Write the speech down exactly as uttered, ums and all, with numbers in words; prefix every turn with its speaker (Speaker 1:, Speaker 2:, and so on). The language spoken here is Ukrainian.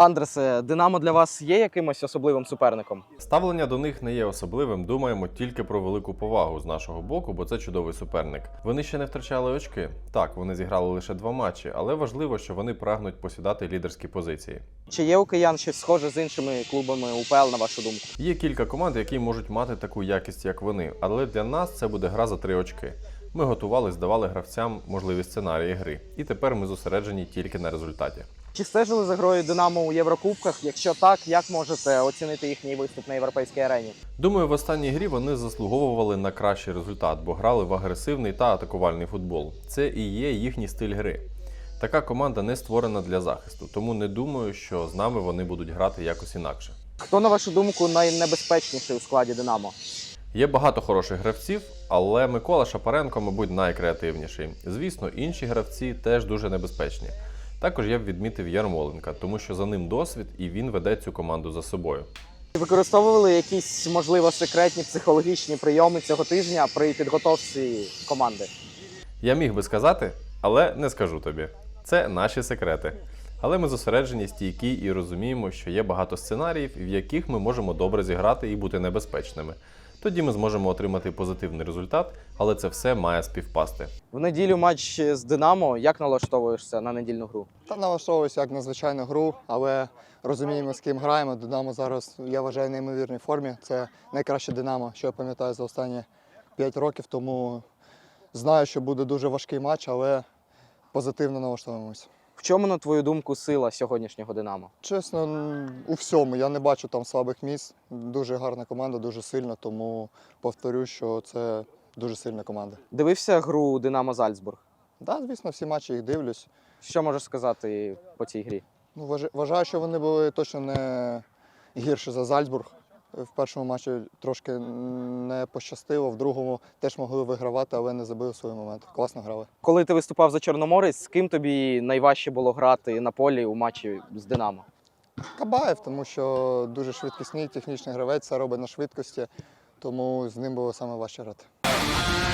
Speaker 1: Андресе, Динамо для вас є якимось особливим суперником?
Speaker 2: Ставлення до них не є особливим, думаємо тільки про велику повагу з нашого боку, бо це чудовий суперник. Вони ще не втрачали очки. Так, вони зіграли лише два матчі, але важливо, що вони прагнуть посідати лідерські позиції.
Speaker 1: Чи є у киян щось схоже з іншими клубами УПЛ, на вашу думку?
Speaker 2: Є кілька команд, які можуть мати таку якість, як вони, але для нас це буде гра за три очки. Ми готували, здавали гравцям можливі сценарії гри, і тепер ми зосереджені тільки на результаті.
Speaker 1: Чи стежили за грою Динамо у Єврокубках? Якщо так, як можете оцінити їхній виступ на європейській арені?
Speaker 2: Думаю, в останній грі вони заслуговували на кращий результат, бо грали в агресивний та атакувальний футбол. Це і є їхній стиль гри. Така команда не створена для захисту, тому не думаю, що з нами вони будуть грати якось інакше.
Speaker 1: Хто, на вашу думку, найнебезпечніший у складі Динамо?
Speaker 2: Є багато хороших гравців, але Микола Шапаренко, мабуть, найкреативніший. Звісно, інші гравці теж дуже небезпечні. Також я б відмітив Ярмоленка, тому що за ним досвід і він веде цю команду за собою.
Speaker 1: Використовували якісь, можливо, секретні психологічні прийоми цього тижня при підготовці команди?
Speaker 2: Я міг би сказати, але не скажу тобі. Це наші секрети. Але ми зосереджені, стійкі і розуміємо, що є багато сценаріїв, в яких ми можемо добре зіграти і бути небезпечними. Тоді ми зможемо отримати позитивний результат, але це все має співпасти.
Speaker 1: В неділю матч з Динамо. Як налаштовуєшся на недільну гру?
Speaker 3: Та налаштовуюся як на звичайну гру, але розуміємо, з ким граємо. Динамо зараз, я вважаю, в неймовірній формі. Це найкраще Динамо, що я пам'ятаю за останні п'ять років, тому знаю, що буде дуже важкий матч, але позитивно налаштовуємося.
Speaker 1: В чому, на твою думку, сила сьогоднішнього Динамо?
Speaker 3: Чесно, у всьому. Я не бачу там слабих місць. Дуже гарна команда, дуже сильна, тому повторю, що це дуже сильна команда.
Speaker 1: Дивився гру Динамо Зальцбург?
Speaker 3: Так, да, звісно, всі матчі їх дивлюсь.
Speaker 1: Що можеш сказати по цій грі?
Speaker 3: Ну, вважаю- вважаю, що вони були точно не гірші за Зальцбург. В першому матчі трошки не пощастило, в другому теж могли вигравати, але не забили свої моменти. Класно грали.
Speaker 1: Коли ти виступав за Чорноморець, з ким тобі найважче було грати на полі у матчі з Динамо?
Speaker 3: Кабаєв, тому що дуже швидкісний, технічний гравець, все робить на швидкості, тому з ним було саме важче грати.